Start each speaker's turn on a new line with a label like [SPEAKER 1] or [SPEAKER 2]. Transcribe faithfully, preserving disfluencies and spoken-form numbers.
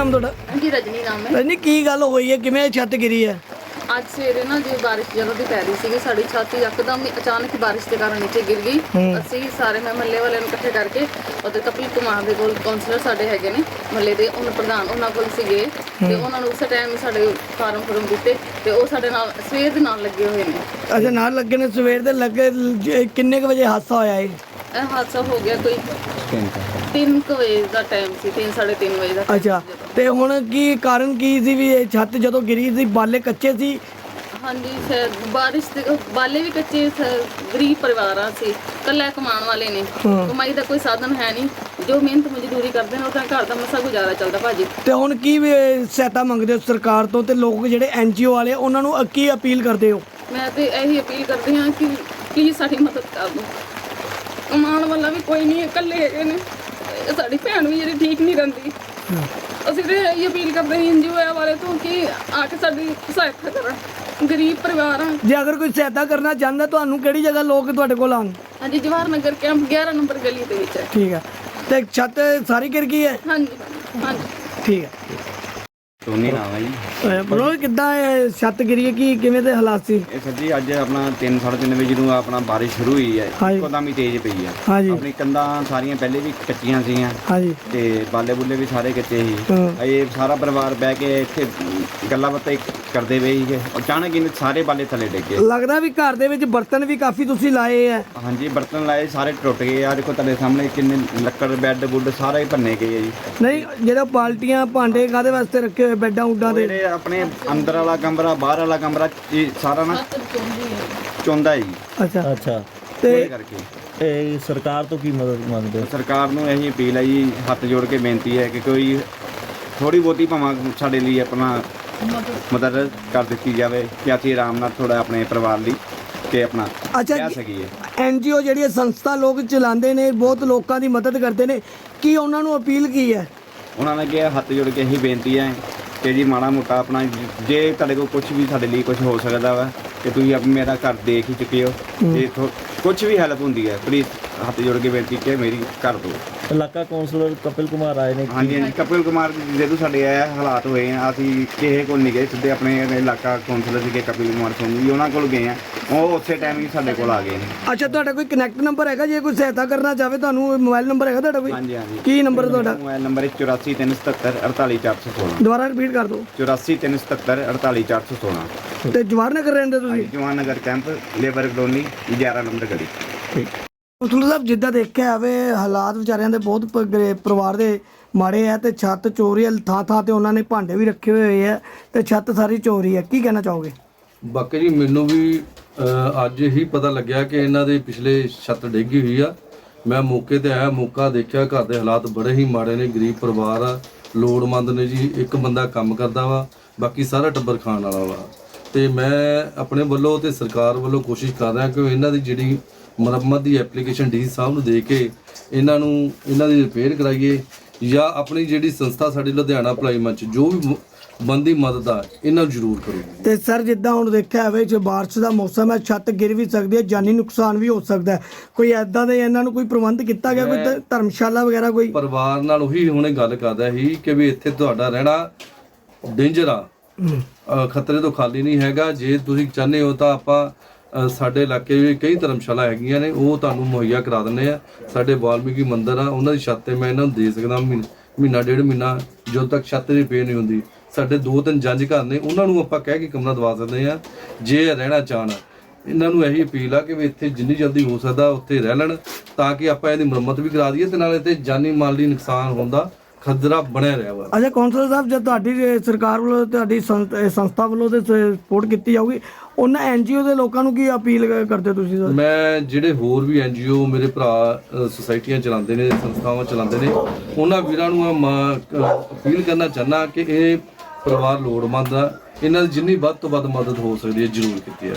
[SPEAKER 1] ਨਾਮ ਤੁਹਾਡਾ?
[SPEAKER 2] जी रजनी नाम है।
[SPEAKER 1] ਰਜਨੀ, ਕੀ ਗੱਲ ਹੋਈ ਹੈ, ਕਿਵੇਂ ਛੱਤ ਗਿਰੀ ਹੈ?
[SPEAKER 2] ਅੱਜ ਸਵੇਰੇ ਨਾ ਜੇ ਬਾਰਿਸ਼ ਜਦੋਂ ਦੀ ਪੈ ਰਹੀ ਸੀਗੀ ਸਾਡੀ ਛੱਤ ਯਕਦਮ ਹੀ ਅਚਾਨਕ ਹੀ ਬਾਰਿਸ਼ ਦੇ ਕਾਰਨ ਨੀਚੇ ਗਿਰ ਗਈ। ਅਸੀਂ ਸਾਰੇ ਮੈਂ ਮਹੱਲੇ ਵਾਲਿਆਂ ਨੂੰ ਇਕੱਠੇ ਕਰਕੇ ਅਤੇ ਕਪਿਲ ਕੁਮਾਰ ਦੇ ਕੋਲ ਕਾਉਂਸਲਰ ਸਾਡੇ ਹੈਗੇ ਨੇ ਮਹੱਲੇ ਦੇ, ਉਹਨਾਂ ਪ੍ਰਧਾਨ ਉਹਨਾਂ ਕੋਲ ਸੀਗੇ ਤੇ ਉਹਨਾਂ ਨੂੰ ਉਸੇ ਟਾਈਮ ਹੀ ਸਾਡੇ ਫਾਰਮ ਫਰਮ ਦਿੱਤੇ ਤੇ ਉਹ ਸਾਡੇ ਨਾਲ ਸਵੇਰ ਦੇ ਨਾਲ ਲੱਗੇ ਹੋਏ ਨੇ।
[SPEAKER 1] ਅੱਛਾ, ਨਾਲ ਲੱਗੇ ਨੇ ਸਵੇਰ ਦੇ ਲੱਗੇ। ਜ- ਕਿੰਨੇ ਕੁ ਵਜੇ ਹਾਦਸਾ ਹੋਇਆ ਇਹ?
[SPEAKER 2] ਇਹ ਹਾਦਸਾ ਹੋ ਗਿਆ ਕੋਈ ਤਿੰਨ ਕੁ ਵਜੇ ਦਾ ਟਾਈਮ ਸੀ, ਤਿੰਨ ਸਾਢੇ ਤਿੰਨ ਵਜੇ ਦਾ time
[SPEAKER 1] ਅੱਛਾ,
[SPEAKER 2] ਸੀ ਜਦੋਂ।
[SPEAKER 1] ਤੇ ਹੁਣ ਕੀ ਕਾਰਨ ਕੀ ਸੀ ਵੀ ਇਹ ਛੱਤ ਜਦੋਂ ਗਿਰੀ ਸੀ? ਬਾਲੇ ਕੱਚੇ ਸੀ?
[SPEAKER 2] ਹਾਂਜੀ ਸਰ, ਬਾਰਿਸ਼ ਦੇ ਬਾਲੇ ਵੀ ਕੱਚੇ ਸਰ, ਗਰੀਬ ਪਰਿਵਾਰਾਂ ਸੀ, ਇਕੱਲਾ ਕਮਾਉਣ ਵਾਲੇ ਨੇ, ਕਮਾਈ ਦਾ ਕੋਈ ਸਾਧਨ ਹੈ ਨਹੀਂ, ਜੋ ਮਿਹਨਤ ਮਜ਼ਦੂਰੀ ਕਰਦੇ ਨੇ ਉਹਦਾ ਘਰ ਦਾ ਮਸਾ ਗੁਜ਼ਾਰਾ ਚੱਲਦਾ ਭਾਜੀ।
[SPEAKER 1] ਤੇ ਹੁਣ ਕੀ ਵੀ ਸਹਾਇਤਾ ਮੰਗਦੇ ਹੋ ਸਰਕਾਰ ਤੋਂ, ਤੇ ਲੋਕ ਜਿਹੜੇ ਐਨ ਜੀ ਓ ਵਾਲੇ ਉਹਨਾਂ ਨੂੰ ਕੀ ਅਪੀਲ ਕਰਦੇ ਹੋ?
[SPEAKER 2] ਮੈਂ ਤੇ ਇਹੀ ਅਪੀਲ ਕਰਦੀ ਹਾਂ ਕਿ ਪਲੀਜ਼ ਸਾਡੀ ਮਦਦ ਕਰ ਦਿਓ। ਕਮਾਉਣ ਵਾਲਾ ਵੀ ਕੋਈ ਨਹੀਂ, ਇਕੱਲੇ ਹੈਗੇ ਨੇ, ਇਹ ਸਾਡੀ ਭੈਣ ਵੀ ਜਿਹੜੀ ਠੀਕ ਨਹੀਂ ਰਹਿੰਦੀ। ਅਸੀਂ ਤੇ ਇਹੀ ਅਪੀਲ ਕਰਦੇ ਹਾਂ ਐਨ ਜੀ ਓ ਵਾਲੇ ਤੋਂ ਕਿ ਆ ਕੇ ਸਾਡੀ ਸਹਾਇਤਾ ਕਰਨ, ਗਰੀਬ ਪਰਿਵਾਰ ਆ।
[SPEAKER 1] ਜੇ ਅਗਰ ਕੋਈ ਸਹਾਇਤਾ ਕਰਨਾ ਚਾਹੁੰਦਾ ਤੁਹਾਨੂੰ ਕਿਹੜੀ ਜਗ੍ਹਾ ਲੋਕ ਤੁਹਾਡੇ ਕੋਲ ਆਉਣ?
[SPEAKER 2] ਹਾਂਜੀ, ਜਵਾਹਰ ਨਗਰ ਕੈਂਪ ਗਿਆਰਾਂ ਨੰਬਰ ਗਲੀ ਦੇ ਵਿੱਚ ਹੈ।
[SPEAKER 1] ਠੀਕ ਹੈ, ਤੇ ਛੱਤ ਸਾਰੀ ਗਿਰ ਗਈ ਹੈ?
[SPEAKER 2] ਹਾਂਜੀ ਹਾਂਜੀ
[SPEAKER 1] ਠੀਕ ਹੈ।
[SPEAKER 3] ਟੋਨੀ ਨਾਮ ਹੈ ਜੀ।
[SPEAKER 1] ਬਰੋ, ਕਿੱਦਾਂ ਇਹ ਛੱਤ ਗਿਰੀ ਹੈ, ਕੀ ਕਿਵੇਂ ਦੇ ਹਾਲਾਤ ਸੀ?
[SPEAKER 3] ਇਹ ਸਰ ਜੀ ਅੱਜ ਆਪਣਾ ਤਿੰਨ ਸਾਢੇ ਤਿੰਨ ਵਜੇ ਜਦੋਂ ਆਪਣਾ ਬਾਰਿਸ਼ ਸ਼ੁਰੂ ਹੋਈ ਹੈ,
[SPEAKER 1] ਹਾਂਜੀ।
[SPEAKER 3] ਇੱਕਦਮ ਹੀ ਤੇਜ਼ ਪਈ ਹੈ।
[SPEAKER 1] ਹਾਂਜੀ
[SPEAKER 3] ਆਪਣੀ ਕੰਧਾਂ ਸਾਰੀਆਂ ਪਹਿਲੇ ਵੀ ਕੱਚੀਆਂ ਸੀਗੀਆਂ
[SPEAKER 1] ਹਾਂਜੀ
[SPEAKER 3] ਤੇ ਬਾਲੇ ਬੁੱਲੇ ਵੀ ਸਾਰੇ ਕੱਚੇ ਸੀ।
[SPEAKER 1] ਹਾਂ।
[SPEAKER 3] ਇਹ ਸਾਰਾ ਪਰਿਵਾਰ ਬਹਿ ਕੇ ਇੱਥੇ ਗੱਲਾਂ ਬਾਤਾਂ ਕਰਦੇ ਪਏ ਸੀਗੇ, ਅਚਾਨਕ ਹੀ ਸਾਰੇ ਬਾਲੇ ਥੱਲੇ ਡਿੱਗ ਗਏ।
[SPEAKER 1] ਲੱਗਦਾ ਵੀ ਘਰ ਦੇ ਵਿੱਚ ਬਰਤਨ ਵੀ ਕਾਫੀ ਤੁਸੀਂ ਲਾਏ ਆ।
[SPEAKER 3] ਹਾਂਜੀ, ਬਰਤਨ ਲਾਏ ਸਾਰੇ ਟੁੱਟ ਗਏ ਆ। ਦੇਖੋ ਤੁਹਾਡੇ ਸਾਹਮਣੇ ਕਿੰਨੇ ਲੱਕੜ ਬੈੱਡ ਬੁੱਡ ਸਾਰਾ ਹੀ ਭੰਨੇ ਗਏ ਆ ਜੀ।
[SPEAKER 1] ਨਹੀਂ, ਜਿਹੜਾ ਬਾਲਟੀਆਂ ਭਾਂਡੇ ਕਾਹਦੇ ਵਾਸਤੇ ਰੱਖੇ ਹੋਏ ਬੈੱਡਾਂ ਉੱਡਾਂ ਦੇ?
[SPEAKER 3] ਜਿਹੜੇ ਆਪਣੇ ਅੰਦਰ ਵਾਲਾ ਕਮਰਾ ਬਾਹਰ ਵਾਲਾ ਕਮਰਾ ਇਹ ਸਾਰਾ ਨਾ ਚੁੰਦਾ ਜੀ।
[SPEAKER 1] ਅੱਛਾ
[SPEAKER 4] ਅੱਛਾ,
[SPEAKER 1] ਤੇ
[SPEAKER 3] ਉਹਦੇ ਕਰਕੇ
[SPEAKER 4] ਇਹ ਸਰਕਾਰ ਤੋਂ ਕੀ ਮਦਦ ਮੰਗਦੇ ਹੋ?
[SPEAKER 3] ਸਰਕਾਰ ਨੂੰ ਇਹੀ ਅਪੀਲ ਹੈ ਜੀ, ਹੱਥ ਜੋੜ ਕੇ ਬੇਨਤੀ ਹੈ ਕਿ ਕੋਈ ਥੋੜੀ ਬਹੁਤੀ ਭਾਵਾਂ ਸਾਡੇ ਲਈ ਆਪਣਾ ਮਦਦ ਕਰ ਦਿੱਤੀ ਜਾਵੇ ਕਿ ਅਸੀਂ ਆਰਾਮ ਨਾਲ ਥੋੜਾ ਆਪਣੇ ਪਰਿਵਾਰ ਲਈ ਕਿ ਆਪਣਾ
[SPEAKER 1] ਅੱਛਾ,
[SPEAKER 3] ਕਹਿ ਸਕੀਏ।
[SPEAKER 1] ਐਨ ਜੀ ਓ ਜਿਹੜੀਆਂ ਸੰਸਥਾ ਲੋਕ ਚਲਾਉਂਦੇ ਨੇ, ਬਹੁਤ ਲੋਕਾਂ ਦੀ ਮਦਦ ਕਰਦੇ ਨੇ, ਕੀ ਉਹਨਾਂ ਨੂੰ ਅਪੀਲ ਕੀ ਹੈ?
[SPEAKER 3] ਉਹਨਾਂ ਨੇ ਕਿਹਾ ਹੱਥ ਜੋੜ ਕੇ ਇਹੀ ਬੇਨਤੀ ਹੈ ਕਿ ਜੀ ਮਾੜਾ ਮੋਟਾ ਆਪਣਾ ਜੇ ਤੁਹਾਡੇ ਕੋਲ ਕੁਝ ਵੀ ਸਾਡੇ ਲਈ ਕੁਝ ਹੋ ਸਕਦਾ ਵਾ ਕਿ ਤੁਸੀਂ ਆਪ ਮੇਰਾ ਘਰ ਦੇਖ ਹੀ ਚੁੱਕੇ ਹੋ, ਜੇ ਕੁਝ ਵੀ ਹੈਲਪ ਹੁੰਦੀ ਹੈ ਪਲੀਜ਼ ਹੱਥ ਜੋੜ ਕੇ ਬੇਨਤੀ ਕਿ ਮੇਰੀ ਕਰ ਦਿਓ।
[SPEAKER 4] ਇਲਾਕਾ ਕੌਂਸਲਰ ਕਪਿਲ ਕੁਮਾਰ ਆਏ ਨੇ।
[SPEAKER 3] ਹਾਂਜੀ ਹਾਂਜੀ, ਕਪਿਲ ਕੁਮਾਰ ਜਦੋਂ ਸਾਡੇ ਇਹ ਹਾਲਾਤ ਹੋਏ ਆ ਅਸੀਂ ਕਿਸੇ ਕੋਲ ਨਹੀਂ ਗਏ, ਸਿੱਧੇ ਆਪਣੇ ਇਲਾਕਾ ਕੌਂਸਲਰ ਸੀਗੇ ਕਪਿਲ ਕੁਮਾਰ ਸਿੰਘ ਜੀ, ਉਹਨਾਂ ਕੋਲ ਗਏ ਆ। ਉਹ ਉਸੇ ਟਾਈਮ ਹੀ ਸਾਡੇ ਕੋਲ ਆ ਗਏ ਨੇ।
[SPEAKER 1] ਅੱਛਾ, ਤੁਹਾਡਾ ਕੋਈ ਕਨੈਕਟ ਨੰਬਰ ਹੈਗਾ? ਜੇ ਕੋਈ ਸਹਾਇਤਾ ਕਰਨਾ ਚਾਹਵੇ ਤੁਹਾਨੂੰ, ਮੋਬਾਈਲ ਨੰਬਰ ਹੈਗਾ ਤੁਹਾਡਾ ਕੋਈ?
[SPEAKER 3] ਹਾਂਜੀ ਹਾਂਜੀ।
[SPEAKER 1] ਕੀ ਨੰਬਰ ਤੁਹਾਡਾ?
[SPEAKER 3] ਮੋਬਾਈਲ ਨੰਬਰ ਚੁਰਾਸੀ ਤਿੰਨ ਸਤੱਤਰ ਅੜਤਾਲੀ ਚਾਰ ਸੌ ਸੋਲਾਂ।
[SPEAKER 1] ਦੁਬਾਰਾ ਰਿਪੀਟ ਕਰ ਦਿਓ।
[SPEAKER 3] ਚੁਰਾਸੀ ਤਿੰਨ ਸਤੱਤਰ ਅੜਤਾਲੀ ਚਾਰ ਸੌ ਸੋਲਾਂ।
[SPEAKER 1] ਤੇ ਜਵਾਹਰ ਨਗਰ ਰਹਿੰਦੇ ਤੁਸੀਂ?
[SPEAKER 3] Jawan Nagar camp, labour colony, ਗਿਆਰਾਂ ਨੰਬਰ ਗਲੀ।
[SPEAKER 1] ਠੀਕ। ਕੌਂਸਲਰ ਸਾਹਿਬ, ਜਿੱਦਾਂ ਦੇਖਿਆ ਜਾਵੇ ਹਾਲਾਤ ਵਿਚਾਰਿਆਂ ਦੇ ਬਹੁਤ ਪ- ਗਰੀਬ ਪਰਿਵਾਰ ਦੇ ਮਾੜੇ ਆ, ਤੇ ਛੱਤ ਚੋਰੀ ਹੈ, ਥਾਂ ਥਾਂ ਤੇ ਉਹਨਾਂ ਨੇ ਭਾਂਡੇ ਵੀ ਰੱਖੇ ਹੋਏ ਆ, ਤੇ ਛੱਤ ਸਾਰੀ ਚੋਰੀ ਹੈ, ਕੀ ਕਹਿਣਾ ਚਾਹੋਗੇ?
[SPEAKER 5] ਬਾਕੀ ਜੀ ਮੈਨੂੰ ਵੀ ਅ, ਅੱਜ ਹੀ ਪਤਾ ਲੱਗਿਆ ਕਿ ਇਹਨਾਂ ਦੇ ਪਿਛਲੇ ਛੱਤ ਡਿੱਗੀ ਹੋਈ ਆ। ਮੈਂ ਮੌਕੇ ਤੇ ਆਇਆ, ਮੌਕਾ ਦੇਖਿਆ, ਘਰ ਦੇ ਹਾਲਾਤ ਬੜੇ ਹੀ ਮਾੜੇ ਨੇ, ਗਰੀਬ ਪਰਿਵਾਰ ਆ, ਲੋੜਵੰਦ ਨੇ ਜੀ। ਇੱਕ ਬੰਦਾ ਕੰਮ ਕਰਦਾ ਵਾ, ਬਾਕੀ ਸਾਰਾ ਟੱਬਰ ਖਾਣ ਵਾਲਾ ਵਾ। ਤੇ ਮੈਂ ਆਪਣੇ ਵੱਲੋਂ ਤੇ ਸਰਕਾਰ ਵੱਲੋਂ ਕੋਸ਼ਿਸ਼ ਕਰ ਰਿਹਾ ਕਿ ਇਹਨਾਂ ਦੀ ਜਿਹੜੀ ਮੁਰੰਮਤ ਦੀ ਐਪਲੀਕੇਸ਼ਨ ਡੀ ਸਾਹਿਬ ਨੂੰ ਦੇ ਕੇ ਇਹਨਾਂ ਨੂੰ ਇਹਨਾਂ ਦੀ ਰਿਪੇਅਰ ਕਰਾਈਏ, ਜਾਂ ਆਪਣੀ ਜਿਹੜੀ ਸੰਸਥਾ ਸਾਡੀ ਲੁਧਿਆਣਾ ਭਲਾਈ ਮੰਚ ਜੋ ਵੀ ਬੰਦੀ ਮਦਦ ਆ ਇਹਨਾਂ ਨੂੰ ਜ਼ਰੂਰ ਕਰੋ।
[SPEAKER 1] ਤੇ ਸਰ, ਜਿੱਦਾਂ ਹੁਣ ਦੇਖਿਆ ਜਾਵੇ ਜੇ ਬਾਰਿਸ਼ ਦਾ ਮੌਸਮ ਹੈ, ਛੱਤ ਗਿਰ ਵੀ ਸਕਦੀ ਹੈ, ਜਾਨੀ ਨੁਕਸਾਨ ਵੀ ਹੋ ਸਕਦਾ ਹੈ, ਕੋਈ ਐਦਾਂ ਦੇ ਇਹਨਾਂ ਨੂੰ ਕੋਈ ਪ੍ਰਬੰਧ ਕੀਤਾ ਗਿਆ, ਕੋਈ ਧ- ਧਰਮਸ਼ਾਲਾ ਵਗੈਰਾ ਕੋਈ?
[SPEAKER 5] ਪਰਿਵਾਰ ਨਾਲ ਉਹੀ ਹੁਣੇ ਗੱਲ ਕਰਦਾ ਸੀ ਕਿ ਵੀ ਇੱਥੇ ਤੁਹਾਡਾ ਰਹਿਣਾ ਡੇਂਜਰ ਆ, ਅ, ਖਤਰੇ ਤੋਂ ਖਾਲੀ ਨਹੀਂ ਹੈਗਾ। ਜੇ ਤੁਸੀਂ ਚਾਹੁੰਦੇ ਹੋ ਤਾਂ ਆਪਾਂ ਅ, ਸਾਡੇ ਇਲਾਕੇ ਵਿੱਚ ਕਈ ਧਰਮਸ਼ਾਲਾ ਹੈਗੀਆਂ ਨੇ, ਉਹ ਤੁਹਾਨੂੰ ਮੁਹੱਈਆ ਕਰਾ ਦਿੰਦੇ ਆ। ਸਾਡੇ ਵਾਲਮੀਕੀ ਮੰਦਿਰ ਆ, ਉਹਨਾਂ ਦੀ ਛੱਤ ਤੇ ਮੈਂ ਇਹਨਾਂ ਨੂੰ ਦੇ ਸਕਦਾ ਮਹੀਨਾ ਮਹੀਨਾ ਡੇਢ ਮਹੀਨਾ, ਜਦੋਂ ਤੱਕ ਛੱਤ ਰਿਪੇਅਰ ਨਹੀਂ ਹੁੰਦੀ। ਸਾਡੇ ਦੋ ਤਿੰਨ ਜੰਜ ਘਰ ਨੇ, ਉਹਨਾਂ ਨੂੰ ਆਪਾਂ ਕਹਿ ਕੇ ਕਮਰਾ ਦਵਾ ਸਕਦੇ ਆ ਜੇ ਰਹਿਣਾ ਚਾਹਣ। ਇਹਨਾਂ ਨੂੰ ਇਹੀ ਅਪੀਲ ਆ ਕਿ ਵੀ ਇੱਥੇ ਜਿੰਨੀ ਜਲਦੀ ਹੋ ਸਕਦਾ ਉੱਥੇ ਰਹਿ ਲੈਣ, ਤਾਂ ਕਿ ਆਪਾਂ ਇਹਦੀ ਮੁਰੰਮਤ ਵੀ ਕਰਾ ਦਈਏ ਤੇ ਨਾਲੇ ਤੇ ਜਾਨੀ ਮਾਲੀ ਨੁਕਸਾਨ ਹੋਣ ਦਾ ਖਤਰਾ ਬਣਿਆ ਰਿਹਾ ਵਾ।
[SPEAKER 1] ਅੱਛਾ ਕੌਂਸਲਰ ਸਾਹਿਬ, ਜਦ ਤੁਹਾਡੀ ਇਹ ਸਰਕਾਰ ਵੱਲੋਂ, ਤੁਹਾਡੀ ਸੰਸ- ਇਹ ਸੰਸਥਾ ਵੱਲੋਂ ਤੇ ਸਪੋਰਟ ਕੀਤੀ ਜਾਊਗੀ, ਉਹਨਾਂ ਐਨ ਜੀ ਓ ਦੇ ਲੋਕਾਂ ਨੂੰ ਕੀ ਅਪੀਲ ਕਰਦੇ ਹੋ ਤੁਸੀਂ ਸਰ?
[SPEAKER 5] ਮੈਂ ਜਿਹੜੇ ਹੋਰ ਵੀ ਐਨ ਜੀ ਓ ਮੇਰੇ ਭਰਾ ਅ, ਸੁਸਾਇਟੀਆਂ ਚਲਾਉਂਦੇ ਨੇ, ਸੰਸਥਾਵਾਂ ਚਲਾਉਂਦੇ ਨੇ, ਉਹਨਾਂ ਵੀਰਾਂ ਨੂੰ ਮੈਂ ਅਪੀਲ ਕਰਨਾ ਚਾਹੁੰਦਾ ਕਿ ਇਹ ਪਰਿਵਾਰ ਲੋੜਵੰਦ ਆ, ਇਹਨਾਂ ਦੀ ਜਿੰਨੀ ਵੱਧ ਤੋਂ ਵੱਧ ਮਦਦ ਹੋ ਸਕਦੀ ਹੈ ਜ਼ਰੂਰ ਕੀਤੀ ਹੈ।